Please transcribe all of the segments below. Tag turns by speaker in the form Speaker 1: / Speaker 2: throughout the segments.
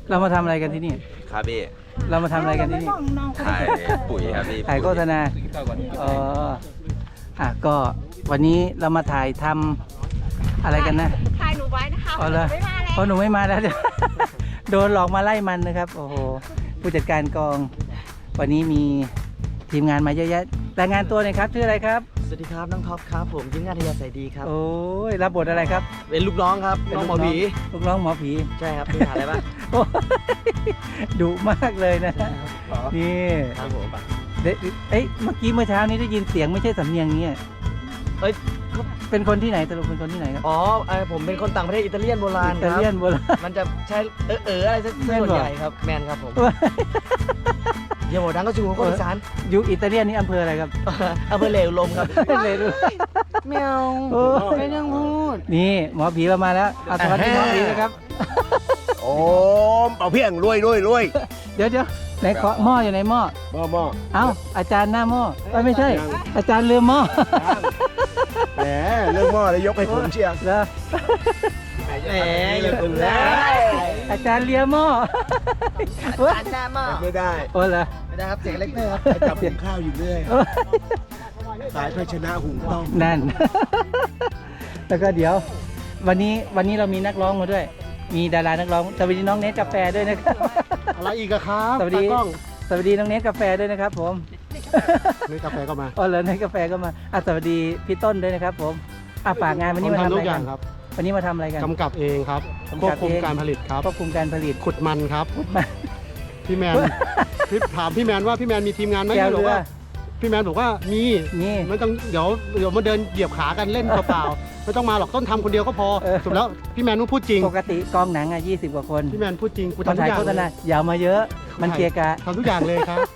Speaker 1: เรามาทำอะไรกันที่นี่
Speaker 2: ครับพี่
Speaker 1: เรามาทำอะไรกันที่นี่
Speaker 2: ถ่ายปุ๋ยครับพี่
Speaker 1: ถ่ายโฆษณาก็วันนี้เรามาถ่ายทำอะไรกันนะ
Speaker 3: ถ่ายหนูไว้นะคะ
Speaker 1: อ๋อเหรอ
Speaker 3: ไม่มาแล้ว
Speaker 1: เพราะหนูไม่มาแล้ว โดนหลอกมาไล่มันนะครับ โอ้โห ผู้จัดการกอง วันนี้มีทีมงานมาเยอะแยะรายงานตัวหน่อยครับชื่ออะไรครับ
Speaker 4: สวัสดีครับน้องท็อปครับผมยิ้มงานทยาสายดีครับ
Speaker 1: โอ้ยรับบทอะไรครับ
Speaker 4: เป็นลูกน้องครับน้องหมอผี
Speaker 1: ลูกน้องหมอผี
Speaker 4: ใช่ครับมีฐานอะไรบ้าง
Speaker 1: โอ้ยดุมากเลยนะ นี่
Speaker 4: ครับผม
Speaker 1: เมื่อเช้านี้ได้ยินเสียงไม่ใช่สำเนียงนี้
Speaker 4: เอ้ย
Speaker 1: เป็นคนที่ไหนสรุปเป็นคนที่ไหนครับ
Speaker 4: อ๋อผมเป็นคนต่างประเทศอิตาเลียนโบราณ
Speaker 1: อิ
Speaker 4: ค
Speaker 1: ตา
Speaker 4: รับ
Speaker 1: เลียนโบราณ
Speaker 4: มันจะใช้อะไรสัก
Speaker 1: แม่น
Speaker 4: ส่วน
Speaker 1: บ่
Speaker 4: ใหญ่ครับแมนครับผมเยี่ยมโหดังก็ชูคนอีสาน
Speaker 1: อยู่อิตาเลียนนี่อำเภออะไรครับ
Speaker 4: อำเภอเหลวลมครับ
Speaker 1: เลยดู
Speaker 4: แมว
Speaker 1: โอ้
Speaker 4: ไม่ต้องพูด
Speaker 1: นี่หมอผีเรามาแล้วเอาสวัสดีหมอผีนะครับ
Speaker 5: โอ้เอาเพียงรวย
Speaker 1: เดี๋ยวไหนขอหม้ออยู่ไหนหม้อ
Speaker 5: หม้อ
Speaker 1: เอ้าอาจารย์หน้าหม้อไม่ใช่ อาจารย์ลืมหม้อ
Speaker 5: แหมเรื่องหม้อเลยยกให้ผมเชียร์
Speaker 1: แล้ว
Speaker 4: แหมอย่าคุณแล้ว
Speaker 1: อาจารย์เลียหม้อ
Speaker 4: อันหน้าหม้อ
Speaker 5: ไม่ได้
Speaker 1: โอ้เหรอ
Speaker 4: ไม่ได้ครับเสียงเล็กเลยครับ
Speaker 5: ไปจับหุงข้าวอยู่เรื่อยสายภาชนะหุงต้ม
Speaker 1: นั่น แล้วก็เดี๋ยว วันนี้เรามีนักร้องมาด้วย มีดารานักร้องสวัสดีน้องเนทกาแฟด้วยนะครับ
Speaker 5: อะไรอีกอะครับ
Speaker 1: สวัสดี
Speaker 5: ตากล้อง
Speaker 1: สวัสดีน้องเนทกาแฟด้วยนะครับ ผม
Speaker 5: นี่กาแฟก็มา
Speaker 1: อ๋อเหรอเนทกาแฟก็มาสวัสดีพี่ต้นด้วยนะครับ ผมฝากงานวันนี้มาทำอะไรกันวันนี้มาทำอะไรกัน
Speaker 6: กำกับเองครับ
Speaker 1: กำ
Speaker 6: คว
Speaker 1: กั
Speaker 6: บบ คุม
Speaker 1: เอง
Speaker 6: การผลิตครับ
Speaker 1: ควบคุมการผลิต
Speaker 6: ขุดมันครับ
Speaker 1: มา
Speaker 6: พี่แมน ถามพี่แมนว่าพี่แมนมีทีมงานไหม
Speaker 1: แก้ว
Speaker 6: พี่บ
Speaker 1: เรือ
Speaker 6: อกว่าพี่แมนบอกว่ามี
Speaker 1: นี่
Speaker 6: ไม่ต้องเดี๋ยวมาเดินเหยียบขากันเล่นเปล่าๆไม่ต้องมาหรอกต้นทำคนเดียวก็พอสุดแล้วพี่แมนต้องพูดจริง
Speaker 1: ปกติกองหนัง20 กว่าคน
Speaker 6: พี่แมนพูดจริงกู
Speaker 1: มา
Speaker 6: ทำทุ
Speaker 1: ถ่าย
Speaker 6: กอย่าง
Speaker 1: โฆษ
Speaker 6: เล
Speaker 1: ณาย อย่ามาเยอะ มันเกียกะ
Speaker 6: ทำทุกอย่างเลยครับ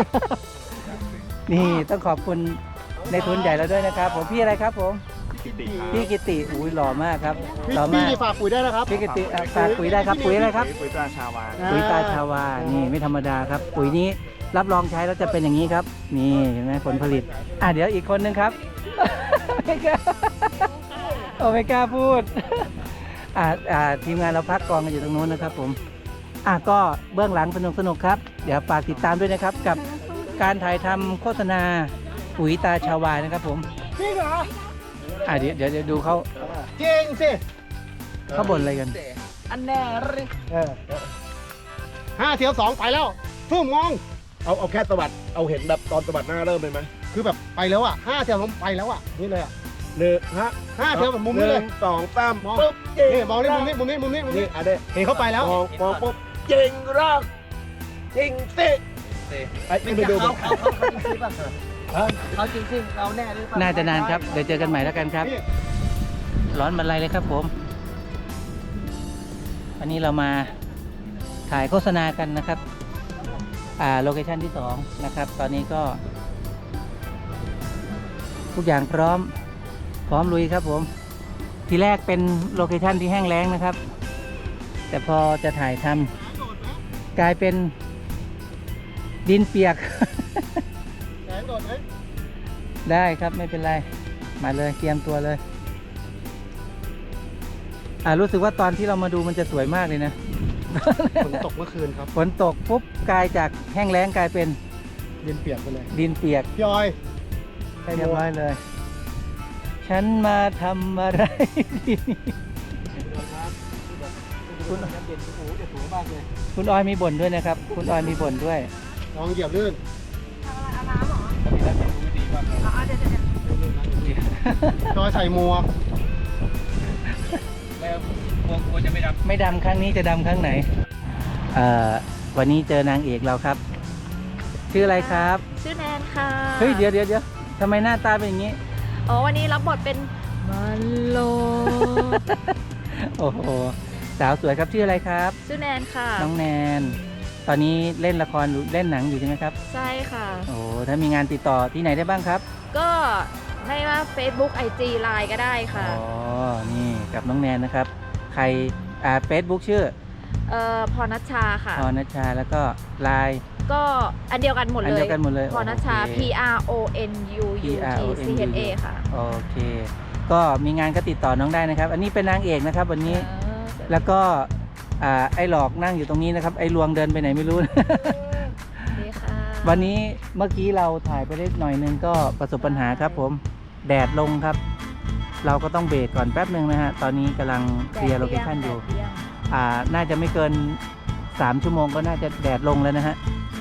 Speaker 1: นี่ต้องขอบคุณในทุนใหญ่เราด้วยนะครับ ผมพี่อะไรครับผมพี่กิติอุ้ยหล่อมากครับหล่อ
Speaker 6: พี่
Speaker 1: มาก
Speaker 6: ฝากปุ๋ยได้นะครับ
Speaker 1: พี่กิติฝากปุ๋ยได้ครับปุ๋ยอะไรครับ
Speaker 2: ปุ๋ยตราชาวา
Speaker 1: ปุ๋ยตาชาวานี่ไม่ธรรมดาครับ ปุ๋ยนี้รับรองใช้แล้วจะเป็นอย่างนี้ครับ นี่เห็นไหมผลผลิตเดี๋ยวอีกคนนึงครับ ไม่กล้าไม่กล้าพูดทีมงานเราพักกองกันอยู่ตรงนู้นนะครับ ผมก็เบื้องหลังสนุกครับเดี๋ยวฝากติดตามด้วยนะครับ กับการถ่ายทำโฆษณาปุ๋ยตาชาวานะครับ ผมจริงเหรอเดี๋ยวดูเขา
Speaker 6: จริงสิ
Speaker 1: เขาบ่นอะไรกัน
Speaker 4: อันแน่เลย
Speaker 6: 5 เที่ยว 2 ไปแล้วฟุ้งมอง
Speaker 5: เอาแค่สวัสดเอาเห็นแบบตอนสวัสดหน้าเริ่มเลยไหม
Speaker 6: คือแบบไปแล้วอ่ะ5 เที่ยวผมไปแล้วอ่ะนี่เลยอ่ะ
Speaker 5: หนึ่งฮะ
Speaker 6: 5 เที่ยวแบบมุมนี้เลย
Speaker 5: 1 2 3
Speaker 6: มอง
Speaker 5: ปุ๊บ
Speaker 6: นี่มองนี่มุมนี้มุมนี้มุมนี้มุม
Speaker 5: นี่
Speaker 6: นี้
Speaker 5: เด้
Speaker 6: เห็นเขาไปแล้ว
Speaker 5: มองปุ๊บจริงรักจริงสิไอ้ไปดู
Speaker 4: เขาจริงสิเขาแน่หรือเปล่า
Speaker 1: น่าจะนานครับเดี๋ยวเจอกันใหม่แล้วกันครับ ร้อนบรรลัยเลยครับผมวันนี้เรามาถ่ายโฆษณากันนะครับโลเคชั่นที่2นะครับ ตอนนี้ก็ ทุกอย่างพร้อมลุยครับผม ทีแรกเป็นโลเคชั่นที่แห้งแล้งนะครับ แต่พอจะถ่ายทำกลายเป็นดินเปียก
Speaker 6: แสงโดดไหม
Speaker 1: ได้ครับไม่เป็นไรมาเลยเตรียมตัวเลยรู้สึกว่าตอนที่เรามาดูมันจะสวยมากเลยนะ
Speaker 6: ฝนตกเมื่อคืนครับ
Speaker 1: ฝนตกปุ๊บกลายจากแห้งแล้งกลายเป็น
Speaker 6: ดินเปียกไปเลย
Speaker 1: ดินเปียก
Speaker 6: พี่ออย
Speaker 1: เรียบร้อยเลย ฉันมาทำอะไรที่นี่คุณออยมีบ่นด้วยนะครับ คุณออยมีบ่นด้วย
Speaker 6: ลองเหยียบลื่น
Speaker 3: เอาน้ำเหรอเดี๋ยว
Speaker 6: จอยใส่หมวก
Speaker 1: ไม่ดำครั้งนี้จะดำครั้งไหนวันนี้เจอนางเอกเราครับ ชื่ออะไรครับ
Speaker 3: ชื่อแนนค่ะ
Speaker 1: เฮ้ยเดี๋ยวทำไมหน้าตาเป็นอย่างนี้
Speaker 3: อ๋อวันนี้รับบทเป็นมันโล
Speaker 1: โอ้โหสาวสวยครับชื่ออะไรครับ
Speaker 3: ชื่อแนนค่ะ
Speaker 1: น้องแนน ตอนนี้เล่นละครหรือเล่นหนังอยู่ใช่ไหมครับ
Speaker 3: ใช่ค่ะ
Speaker 1: โอ้ถ้ามีงานติดต่อที่ไหนได้บ้างครับ
Speaker 3: ก็ไม่ว่า Facebook IG Line ก็ได้ค่ะ
Speaker 1: อ๋อ นี่กับน้องแนนนะครับ ใครเฟซบุ๊กชื่อ
Speaker 3: พรณัชชาค่ะ
Speaker 1: พรณัชชาแล้วก็ไลน์
Speaker 3: ก็อันเดียวกันหมด
Speaker 1: อัน
Speaker 3: เล
Speaker 1: เดี
Speaker 3: ย
Speaker 1: ยวกันหมดเลย
Speaker 3: พรณัชชา
Speaker 1: โอเค
Speaker 3: PRONUUTCHA ค่ะ
Speaker 1: โอเค ก็มีงานก็ติดต่อน้องได้นะครับ อันนี้เป็นนางเอกนะครับ วันนี้ แล้วก็ไอ้หลอกนั่งอยู่ตรงนี้นะครับ ไอ้ลวงเดินไปไหนไม่รู้
Speaker 3: ดีค่ะ
Speaker 1: วันนี้เมื่อกี้เราถ่ายไปเล็กหน่อยนึงก็ประสบปัญหาครับผมแดดลงครับ เราก็ต้องเบรกก่อนแป๊บหนึ่งนะฮะตอนนี้กำลังเคลียร์โลเคชั่นอยู่ น่าจะไม่เกิน3 ชั่วโมงก็น่าจะแดดลงแล้วนะฮะ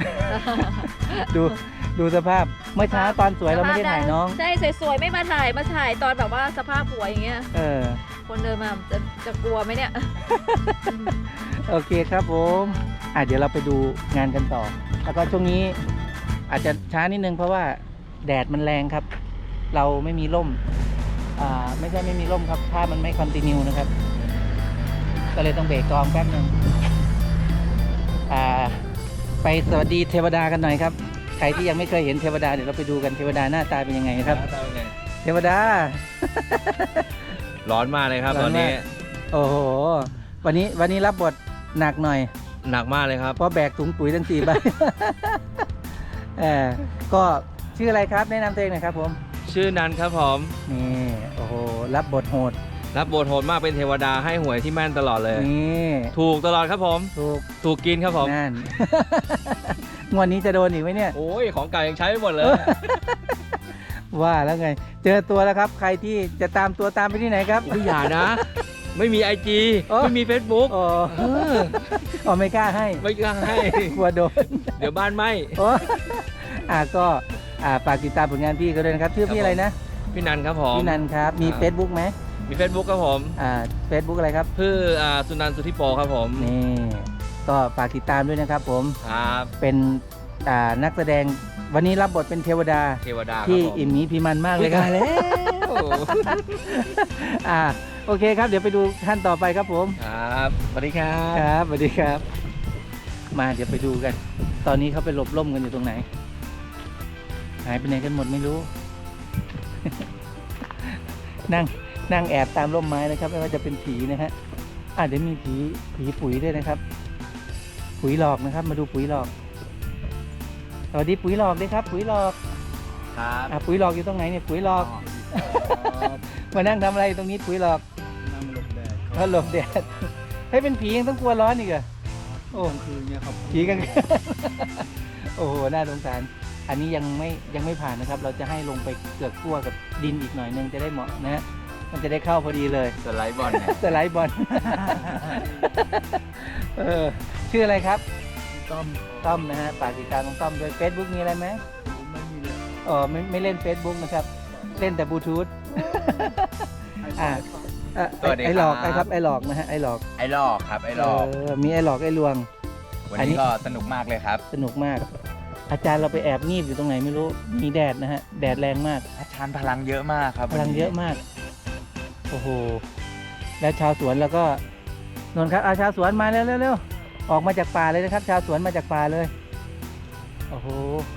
Speaker 1: ดูสภาพเมื่อเช้าตอนสวยเราไม่ได้ถ่ายน้อง
Speaker 3: ใช่สวยๆไม่มาถ่ายตอนแบบว่าสภาพหัวอย่างเงี้ย คนเดินมาจะกลัวไหมเนี่ย
Speaker 1: โอเคครับผมเดี๋ยวเราไปดูงานกันต่อ แล้วก็ช่วงนี้อาจจะช้านิดนึงเพราะว่าแดดมันแรงครับ เราไม่มีร่มไม่ใช่ไม่มีร่มครับถ้ามันไม่คอนติเนียนะครับ ก็เลยต้องเบรกกองแป๊บนึงไปสวัสดีเทวดากันหน่อยครับใครที่ยังไม่เคยเห็นเทวดาเดี๋ยวเราไปดูกันเทวดาหน้าตาเป็นยังไงครับ เทวดา
Speaker 2: ร้อนมากเลยครับ
Speaker 1: ร้
Speaker 2: ต
Speaker 1: อ
Speaker 2: อน น
Speaker 1: มาก
Speaker 2: นี้
Speaker 1: โอ้โหวันนี้รับบทหนักหน่อย
Speaker 2: หนักมากเลยครับ
Speaker 1: เพราะแบกถุงปุ๋ยทั้ง 4 ใบ ก็ชื่ออะไรครับแนะนำตัวเองหน่อยครับผม
Speaker 2: ชื่อนันครับผม
Speaker 1: นี่โอ้โหรับบทโหด
Speaker 2: รับบทโหดมากเป็นเทวดาให้หวยที่แม่นตลอดเลย
Speaker 1: นี่
Speaker 2: ถูกตลอดครับผม ถูกกินครับผม
Speaker 1: นั่น งวดนี้จะโดนอีกไหมเนี่ย
Speaker 2: โอ้ยของเก่ายังใช้ไม่หมดเลย
Speaker 1: ว่าแล้วไง เจอตัวแล้วครับ ใครที่จะตามตัวตามไปที่ไหนครับ
Speaker 2: อุ้ยอย่านะ ไม่มี IG
Speaker 1: โอ้
Speaker 2: ไม่มี Facebook
Speaker 1: โอ้ไม่กล้าให้
Speaker 2: ไม่กล้าให้
Speaker 1: กลัวโดน
Speaker 2: เดี๋ยวบ้านไหม
Speaker 1: โอ้ก็ฝากติดตามผลงานพี่เขาด้วยนะครับชื่อพี่อะไรนะ
Speaker 2: พี่นันครับผม
Speaker 1: พี่นันครับมี
Speaker 2: ครับ
Speaker 1: Facebook ไหม
Speaker 2: มี Facebook ครับผม
Speaker 1: Facebook อะไรครับ
Speaker 2: ชื่อสุนันท์สุทธิโปครับผม
Speaker 1: นี่ก็ฝากติดตามด้วยนะครับผม
Speaker 2: ครับ
Speaker 1: เป็นนักแสดงวันนี้รับบทเป็นเทวดา
Speaker 2: เทวดาครับ
Speaker 1: ที่
Speaker 2: ผม
Speaker 1: อิ่มหมีพีมันมากเลยครับ
Speaker 2: ตายแล้ว
Speaker 1: โอเคครับเดี๋ยวไปดูขั้นต่อไปครับผม
Speaker 2: ครับสวัสดีครับ
Speaker 1: ครับสวัสดีครับ มาเดี๋ยวไปดูกัน ตอนนี้เขาไปหลบร่มกันอยู่ตรงไหน หายไปไหนกันหมดไม่รู้ นั่งแอบตามร่มไม้นะครับไม่ว่าจะเป็นผีนะฮะเดี๋ยวมีผีปุ๋ยด้วยนะครับ ปุ๋ยหลอกนะครับ มาดูปุ๋ยหลอกสวัสดีปุ๋ยหลอกด้วยครับ ปุ๋ยหลอก
Speaker 2: ครับ
Speaker 1: ปุ๋ยหลอกอยู่ตรงไหนเนี่ยปุ๋ยหลอก มานั่งทำอะไรตรงนี้ปุ๋ยหลอก
Speaker 6: นั่งหลบแดด
Speaker 1: เขาหลบแดด ให้เป็นผียังต้องกลัวร้อนอีกเหรอโอ้
Speaker 6: คือเนี่ยครับ
Speaker 1: ผีกัน โอ้โหน่าสงสารอันนี้ยังไม่ผ่านนะครับ เราจะให้ลงไปเกือกกลัวกับดินอีกหน่อยนึงจะได้เหมาะนะฮะมันจะได้เข้าพอดีเลย
Speaker 2: สไลด์บอลเนี่ย
Speaker 1: สไลด์บอล ชื่ออะไรครับ ต้อมนะฮะฝากติดตามน้องต้อมด้วย Facebook มีอะไรไหม
Speaker 6: ไม่มีเลย
Speaker 1: อ๋อไม่เล่น Facebook นะครับ เล่นแต่บลูทูธ
Speaker 2: สวัสดีครับ
Speaker 1: ไอ้หลอกนะครับไอ้หลอกนะฮะไอ้หลอก
Speaker 2: ไอ้ลอกครับไอ้ลอก
Speaker 1: มีไอ้หลอกไอ้ลวง
Speaker 2: วัน
Speaker 1: อันนี้
Speaker 2: นี้ก็สนุกมากเลยครับ
Speaker 1: สนุกมาก อาจารย์เราไปแอบงีบอยู่ตรงไหนไม่รู้มีแดดนะฮะแดดแรงมาก
Speaker 2: อาจารย์พลังเยอะมากครับ
Speaker 1: พลังเยอะมาก โอ้โห แล้วชาวสวนแล้วก็นนท์ครับชาวสวนมาเร็วออกมาจากป่าเลยนะครับ ชาวสวนมาจากป่าเลย โอ้โห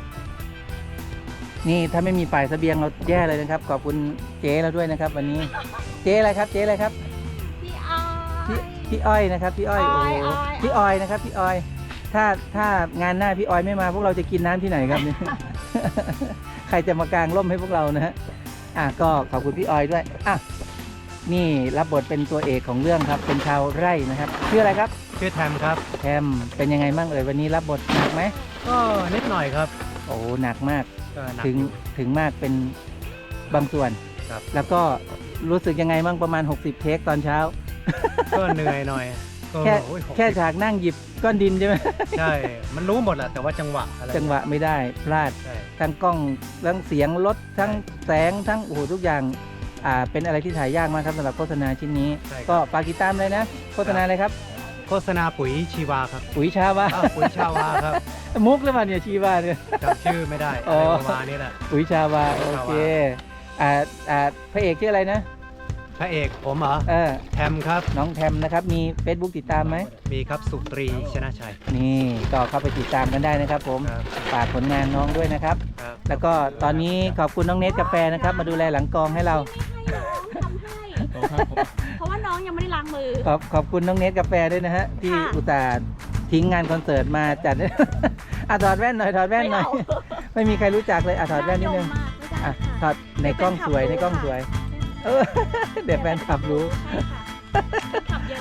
Speaker 1: นี่ถ้าไม่มีฝ่ายเสบียงเราแย่เลยนะครับ ขอบคุณเจ๊เราด้วยนะครับ วันนี้ เจ๊อะไรครับ เจ๊อะไรครับ พี่อ้อยนะครับ พี่อ้อย โอ้โห พี่อ้อยนะครับ พี่อ้อย ถ้างานหน้าพี่อ้อยไม่มาพวกเราจะกินน้ำที่ไหนครับเนี่ย ใครจะมากางร่มให้พวกเรานะฮะ ก็ขอบคุณพี่ออยด้วยนี่รับบทเป็นตัวเอกของเรื่องครับ เป็นชาวไร่นะครับชื่ออะไรครับ
Speaker 6: ชื่อแทมครับ
Speaker 1: แทมเป็นยังไงบ้างวันนี้รับบทหนักไหม
Speaker 6: ก็นิดหน่อยครับ
Speaker 1: โอ้หนักมาก
Speaker 6: ก็หนัก
Speaker 1: ถึง
Speaker 6: อยู่
Speaker 1: ถึงมากเป็นบางส่วน
Speaker 6: ครับ
Speaker 1: แล้วก็รู้สึกยังไงบ้างประมาณ60เทคตอนเช้า
Speaker 6: ก็เหนื่อยหน่อยก็
Speaker 1: แค่
Speaker 6: โอ้ย60
Speaker 1: แค่ฉากนั่งหยิบก้อนดินใช่ไหม
Speaker 6: ใช่ มันรู้หมดแหละแต่ว่าจังหวะอะไร
Speaker 1: จังหวะไม่ได้พลาด
Speaker 6: ใช่
Speaker 1: ทั้งกล้องทั้งเสียงรถทั้งแสงทั้งโอ้โหทุกอย่างเป็นอะไรที่ถ่ายยากมากครับสำหรับโฆษณาชิ้นนี้
Speaker 6: ใช่ครับ
Speaker 1: ก็ฝากติดตามเลยนะโฆษณาอะไรครับ
Speaker 6: โฆษณาปุ๋ยชีวาครับ
Speaker 1: ปุ๋ยชาวา
Speaker 6: ปุ๋ยชาวาครับ
Speaker 1: มุกหรือเปล่าเนี่ยชีวาเนี่ย
Speaker 6: จำชื่อไม่ได้
Speaker 1: อ๋
Speaker 6: อะ
Speaker 1: อ
Speaker 6: ไรประมาณนี้แหละ
Speaker 1: ปุ๋ยชาวา
Speaker 6: ปุ๋
Speaker 1: โอย
Speaker 6: ชาวา
Speaker 1: เคพระเอกชื่ออะไรนะ
Speaker 6: พระเอกผมเหรอ แทมครับ
Speaker 1: น้องแทมนะครับมี Facebook ติดตามไหม
Speaker 6: มีครับสุตรีชนะชัย
Speaker 1: นี่ก็เข้าไปติดตามกันได้นะครับผม
Speaker 6: ครับ
Speaker 1: ฝากผลงานน้องด้วยนะครับ
Speaker 6: ครับ
Speaker 1: แล้วก็ตอนนี้ขอบคุณน้องเนทกาแฟนะครับมาดูแลหลังกองให้เรา
Speaker 7: เพราะว่าน้องยังไม่ได้ล้างมือ
Speaker 1: ขอบคุณน้องเนทกาแฟด้วยนะฮะที่
Speaker 7: ค่ะ
Speaker 1: อุตส่าห์ทิ้งงานคอนเสิร์ตมาจัด ถอดแว่นหน่อยถอดแว่นหน่อย ไม่มีใครรู้จักเลยถอดแว่นนิดนึง ถอดในกล้องสวยในกล้องสวย เออ เดี๋ยวแฟนคลับรู้
Speaker 7: ขับเยอะมากเลยค่ะ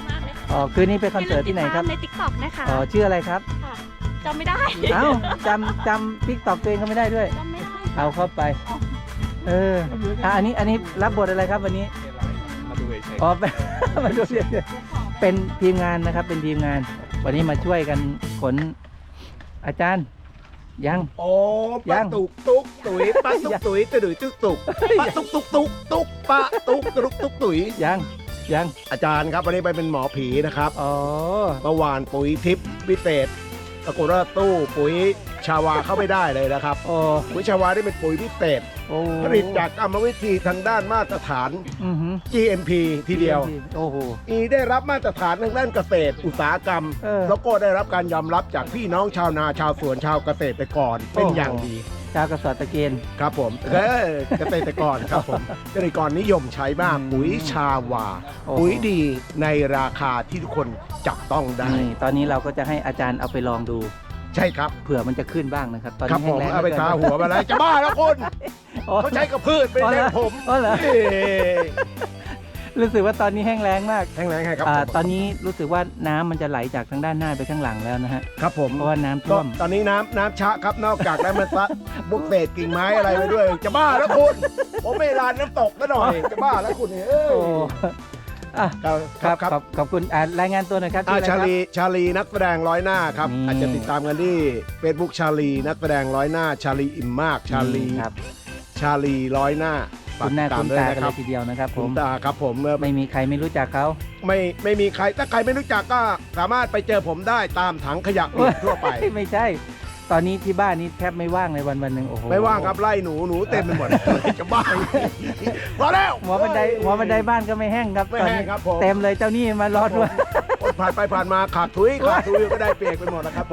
Speaker 1: อ๋อคืนนี้ไปคอนเสิร์ตที่ไหนครับ
Speaker 7: ใน TikTok นะคะ
Speaker 1: อ๋อชื่ออะไรครับ
Speaker 7: ค่ะจำไม่ได้
Speaker 1: เอ้าจำติ๊กต็อกตัวเองก็ไม่ได้ด้วย
Speaker 7: จำไม่ได้
Speaker 1: เอาเข้าไป อันนี้รับบทอะไรครับวันนี้
Speaker 2: มาดูเฉย
Speaker 1: อ๋อ มาดูเป็นทีมงานนะครับ เป็นทีมงาน วันนี้มาช่วยกันขนอาจารย์ยัง
Speaker 5: โอ้ปะตุกตุกตุ๋ยปะตุกตุ๋ยตุยตุกตุกปะตุกตุกตุกตุกปะตุกตุกตุกตุ๋ย
Speaker 1: ยัง
Speaker 5: อาจารย์ครับวันนี้ไปเป็นหมอผีนะครับ
Speaker 1: อ๋อ
Speaker 5: เมื่อวานปุ๋ยทิพย์พิเศษปรากฏว่าตู้ปุ๋ยชาวาเข้าไม่ได้เลยนะครับ
Speaker 1: โอ้
Speaker 5: ปุ๋ยชาวาได้เป็นปุ๋ยพิเศษ
Speaker 1: โอ้
Speaker 5: ผลิตจากกรรมวิธีทางด้านมาตรฐาน
Speaker 1: อือหือ
Speaker 5: GMP ทีเดียว
Speaker 1: โอ้โห
Speaker 5: ได้รับมาตรฐานทางด้านเกษตรอุตสาหกรรม แล้วก็ได้รับการยอมรับจากพี่น้องชาวนาชาวสวนชาวเกษตรกรเป็นอย่างดี
Speaker 1: ชาวกระสอบตะเกียน
Speaker 5: ครับผมเกษตรกรครับผมเกษตรกรนิยมใช้มากปุ๋ยชาวา
Speaker 1: โอ้โห
Speaker 5: ปุ๋ยดีในราคาที่ทุกคนจับต้องได้
Speaker 1: นี่ตอนนี้เราก็จะให้อาจารย์เอาไปลองดู
Speaker 5: ใช่ครับ
Speaker 1: เผื่อมันจะขึ้นบ้างนะครับ ตอน
Speaker 5: ครับ
Speaker 1: นี้
Speaker 5: ผม
Speaker 1: แห้งแล้ง
Speaker 5: เอาไปทาหัวมาแล้วจะบ้าแล้วคุณ
Speaker 1: อ๋อ
Speaker 5: เขาใช้กับพืชไม่
Speaker 1: อ๋อเหร
Speaker 5: ใช่
Speaker 1: อ
Speaker 5: ผม
Speaker 1: อ๋อเหรอ
Speaker 5: เอ้ย
Speaker 1: รู้สึกว่าตอนนี้แห้งแล้งมาก
Speaker 5: แห้งแรงไงครับ
Speaker 1: ตอนนี้รู้สึกว่าน้ำมันจะไหลจากทางด้านหน้าไปข้างหลังแล้วนะฮะ
Speaker 5: ครับผม
Speaker 1: เพราะว่าน้ำ
Speaker 5: ก็
Speaker 1: ท่วม
Speaker 5: ตอนนี้น้ำชะครับนอกจากนั้นมันซะบุกเศษกิ่งไม้อะไรไปด้วย จะบ้าแล้วคุณผมไม่ลานน้ำตกซะหน่อยจะบ้าแล้วคุณเอ้ย
Speaker 1: โอ้อ่ะ
Speaker 5: ครับ
Speaker 1: ขอบคุณรายงานตัวหน่อยครับ
Speaker 5: อ่า
Speaker 1: ชื่ออะไรครับ
Speaker 5: ชาลีนักแสดงร้อยหน้าครับ
Speaker 1: นี่
Speaker 5: อาจจะติดตามกันที่ Facebook ชาลีนักแสดงร้อยหน้า ชาลีอิ่มมากชาลี
Speaker 1: ครับ
Speaker 5: ชาลีร้อยหน้าฝาก
Speaker 1: คุณหน้า
Speaker 5: ติดตา
Speaker 1: คุ
Speaker 5: ม
Speaker 1: ณ
Speaker 5: ด้วย
Speaker 1: ตา
Speaker 5: นะ
Speaker 1: กัน
Speaker 5: ค
Speaker 1: เล
Speaker 5: รับ
Speaker 1: ยทีเดียวนะครับผ
Speaker 5: คุ
Speaker 1: ม
Speaker 5: ณตาครับผม
Speaker 1: ไม่มีใครไม่รู้จักเขา
Speaker 5: ไม่มีใครถ้าใครไม่รู้จักก็สามารถไปเจอผมได้ตามถังขยะอื่นทั่วไป
Speaker 1: ไม่ใช่ ตอนนี้ที่บ้านนี้แทบไม่ว่างเลยวันหนึ่งโอ้โห
Speaker 5: ไม่ว่างครับไล่หนูเต็มไปหมด จะบ้าพอแล้ว
Speaker 1: หัวบันไดบ้านก็ไม่แห้งครับ
Speaker 5: ไม่
Speaker 1: ตอน
Speaker 5: แห้ง
Speaker 1: นี้
Speaker 5: ครับผม
Speaker 1: เต็มเลยเจ้านี่มารอด้วย
Speaker 5: คนผ่านไปผ่านมาขาดทุยก็ได้เปียกไปหมดนะครับผม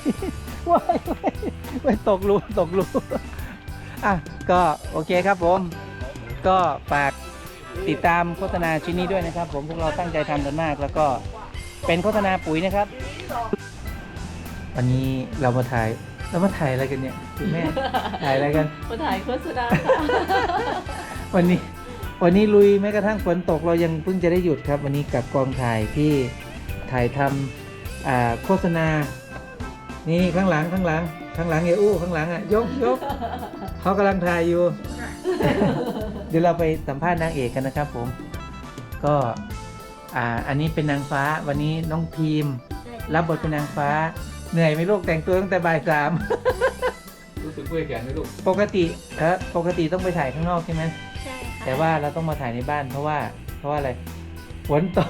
Speaker 1: ว้ายตกรูอ่ะก็โอเคครับผม ก็ฝากติดตามโฆษณาชิ้นนี้ด้วยนะครับ ผมพวกเราตั้งใจทำกันมาก แล้วก็เป็นโฆษณาปุ๋ยนะครับ วันนี้เรามาถ่ายอะไรกันเนี่ยคุณแม่ ถ่ายอะไรกัน
Speaker 3: มาถ่ายโฆษณา
Speaker 1: วันนี้ลุยแม้กระทั่งฝนตกเรายังเพิ่งจะได้หยุดครับ วันนี้กับกองถ่ายที่ถ่ายทำโฆษณา นี่ข้างหลังเออู้ข้างหลังอ่ะยกเขากำลังถ่ายอยู่ เดี๋ยวเราไปสัมภาษณ์นางเอกกันนะครับผมก็อันนี้เป็นนางฟ้าวันนี้น้องพีมรับบทเป็นนางฟ้าเหนื่อยไหมลูกแต่งตัวตั้งแต่บ่าย 3
Speaker 2: รู้สึกเมื่อยแขนไหมลูก
Speaker 1: ปกติต้องไปถ่ายข้างนอกใช่ไหม
Speaker 7: ใช่ค่ะ
Speaker 1: แต่ว่าเราต้องมาถ่ายในบ้านเพราะว่าอะไรฝนตก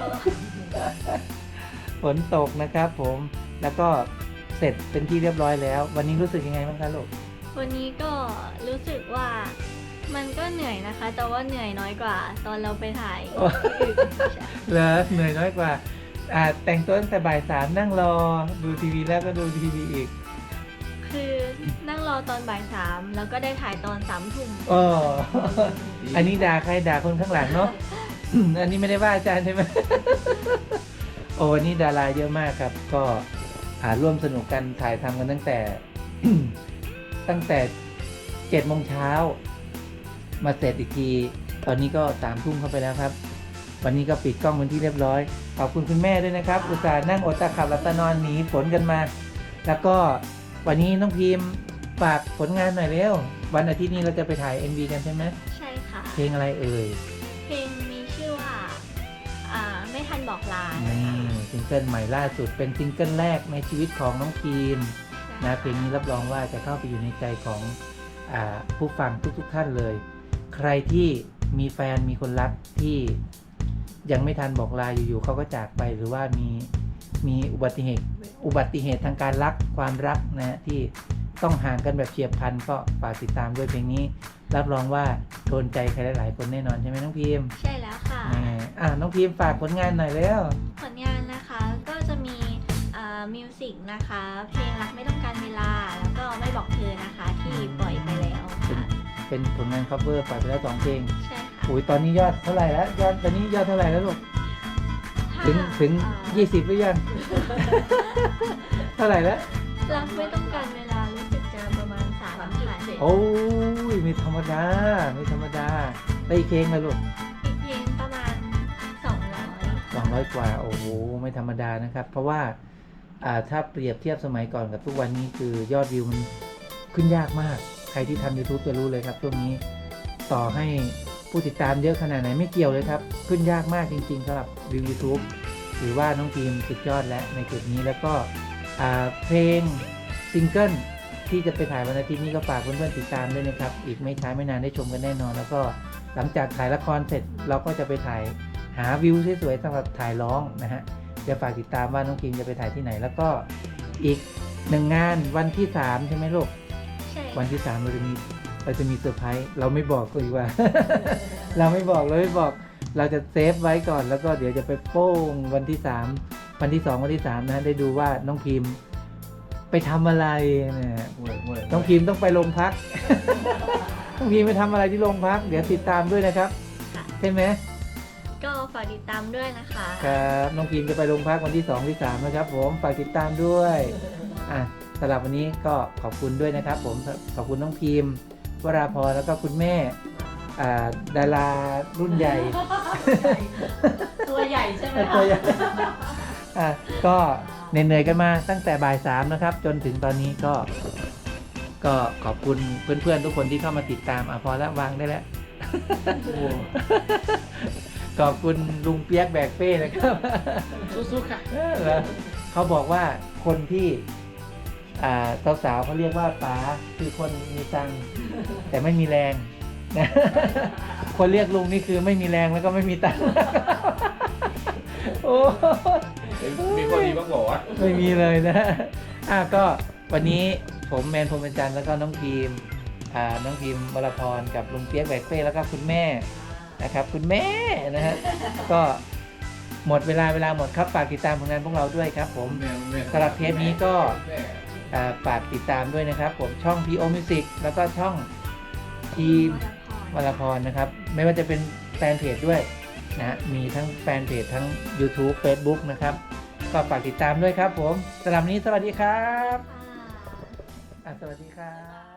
Speaker 1: ฝนตกนะครับผมแล้วก็เสร็จเป็นที่เรียบร้อยแล้ว วันนี้รู้สึกยังไงบ้างคะลูก
Speaker 7: วันนี้ก็รู้สึกว่ามันก็เหนื่อยนะคะ แต่ว่าเหนื่อยน้อยกว่า ตอนเราไปถ่ายที่อื่นใช่
Speaker 1: เหรอเหนื่อยน้อยกว่าแต่งตัวตั้งแต่บ่าย 3นั่งรอดูทีวีแล้วก็ดูทีวีอีก
Speaker 7: คือนั่งรอตอนบ่าย 3แล้วก็ได้ถ่ายตอน3 ทุ่ม
Speaker 1: อ๋อ อันนี้ด่าใครด่าคนข้างหลังเนาะ อันนี้ไม่ได้ว่าอาจารย์ใช่ไหม โอ้วันนี้ดาราเยอะมากครับ ก็ร่วมสนุกกันถ่ายทำกันตั้งแต่ ตั้งแต่7 โมงเช้ามาเสร็จอีกที ตอนนี้ก็3 ทุ่มเข้าไปแล้วครับ วันนี้ก็ปิดกล้องเป็นที่เรียบร้อย ขอบคุณคุณแม่ด้วยนะครับ อุตส่าห์นั่งอดตาขับหลับตานอนหนีฝนกันมา แล้วก็วันนี้น้องพิมพ์ฝากผลงานหน่อยเร็ว วันอาทิตย์นี้เราจะไปถ่าย MV กันใช่ไหม
Speaker 7: ใช่ค่ะ
Speaker 1: เพลงอะไรเอ่ย
Speaker 7: เพลงมีชื่อว่าไม่ทันบอกลา
Speaker 1: นี่ซิงเกิลใหม่ล่าสุดเป็นซิงเกิลแรกในชีวิตของน้องพิมพ์นะเพลงนี้รับรองว่าจะเข้าไปอยู่ในใจของผู้ฟังทุกท่านเลย ใครที่มีแฟนมีคนรักที่ยังไม่ทันบอกลาอยู่ๆเขาก็จากไปหรือว่ามีอุบัติเหตุทางการรักความรักนะฮะที่ต้องห่างกันแบบเฉียบพลันก็ฝากติดตามด้วยเพลงนี้รับรองว่าโดนใจใครหลายๆคนแน่นอนใช่ไหมน้องพิมพ์
Speaker 7: ใช่แล้วค่ะ
Speaker 1: น้องพิมพ์ฝากผลงานหน่อยแล้ว
Speaker 7: ผลงานนะคะก็จะมีมิวสิกนะคะ เพลงรักไม่ต้องการเวลา แล้วก็ไม่บอกเธอนะคะที่ปล่อยไปแล้วค่ะ
Speaker 1: เป็นผลงาน cover ปล่อยไปแล้ว2 เพลง
Speaker 7: ใช่ค่ะ
Speaker 1: อุ้ยตอนนี้ยอดเท่าไหร่แล้วตอนนี้ยอดเท่าไหร่แล้วลูก
Speaker 7: ถ้า
Speaker 1: ถึง20หรือยัง เท่าไหร่แล้ว
Speaker 7: รักไม่ต้องการเวลารู้สึกจะประมาณ3,000
Speaker 1: โอ้ยไม่ธรรมดาได้อีกเพลงเลยลูก
Speaker 7: อีกเพลงประมาณ200
Speaker 1: 200 กว่าโอ้โหไม่ธรรมดานะครับ เพราะว่าถ้าเปรียบเทียบสมัยก่อนกับทุกวันนี้คือยอดวิวมันขึ้นยากมาก ใครที่ทำ YouTube จะรู้เลยครับช่วงนี้ต่อให้ผู้ติดตามเยอะขนาดไหนไม่เกี่ยวเลยครับขึ้นยากมากจริงๆสำหรับวิว YouTube ถือว่าน้องทีมสุดยอดและในจุดนี้แล้วก็เพลงซิงเกิลที่จะไปถ่ายวันอาทิตย์นี้ก็ฝากเพื่อนๆติดตามด้วยนะครับอีกไม่ช้าไม่นานได้ชมกันแน่นอนแล้วก็หลังจากถ่ายละครเสร็จเราก็จะไปถ่ายหาวิวสวยๆสำหรับถ่ายร้องนะฮะจะฝากติดตามว่าน้องทีมจะไปถ่ายที่ไหนแล้วก็อีก1 งานวันที่3ใช่ไหมลูก
Speaker 7: ใช่
Speaker 1: วันที่3เราจะมีเซอร์ไพรส์เราไม่บอกก็ดีกว่า เราไม่บอกเราจะเซฟไว้ก่อนแล้วก็เดี๋ยวจะไปโป้งวันที่3วันที่2วันที่3นะได้ดูว่าน้องพิมพ์ไปทำอะไรนะน้องพิมพ์ต้องไปโรงพัก น้องพิมพ์ไปทำอะไรที่โรงพักเดี๋ยวติดตามด้วยนะครับใช่ไหม
Speaker 7: ก็ฝากติดตามด้วยนะคะ
Speaker 1: ครับน้องพิมพ์จะไปโรงพักวันที่2ที่3นะครับผมฝากติดตามด้วยสำหรับวันนี้ก็ขอบคุณด้วยนะครับผมขอบคุณน้องพิมพ์วราพรแล้วก็คุณแม่ดารารุ่นใหญ่
Speaker 3: ตัวใหญ่ใช่ไหม
Speaker 1: ตัวใหญ่ก็เหนื่อยๆกันมาตั้งแต่บ่าย3นะครับ จนถึงตอนนี้ก็ขอบคุณเพื่อนๆทุกคนที่เข้ามาติดตามพอแล้ววางได้แล้ว ขอบคุณลุงเปียกแบกเป้นะครับ
Speaker 6: สู้ๆค่ะ
Speaker 1: เขาบอกว่าคนที่สาวๆเขาเรียกว่าป๋าคือคนมีตังค์แต่ไม่มีแรงนะ คนเรียกลุงนี่คือไม่มีแรงแล้วก็ไม่มีตังค์ โอ้
Speaker 2: มีคนดีบ้างบอกว่า
Speaker 1: ไม่มีเลยนะก็วันนี้ผมแมนพรหมจันทร์แล้วก็น้องพิมวรพรกับลุงเปียกแบกเป้แล้วก็คุณแม่นะครับคุณแม่นะฮะก็หมดเวลาหมดครับฝากติดตามผลงานพวกเราด้วยครับผมสำหรับเทปนี้ก็ฝากติดตามด้วยนะครับผมช่อง PO Music แล้วก็ช่องทีมวรพรนะครับไม่ว่าจะเป็นแฟนเพจด้วยนะมีทั้งแฟนเพจทั้ง YouTube Facebook นะครับก็ฝากติดตามด้วยครับผมสำหรับวันนี้สวัสดีครับสวัสดีครับ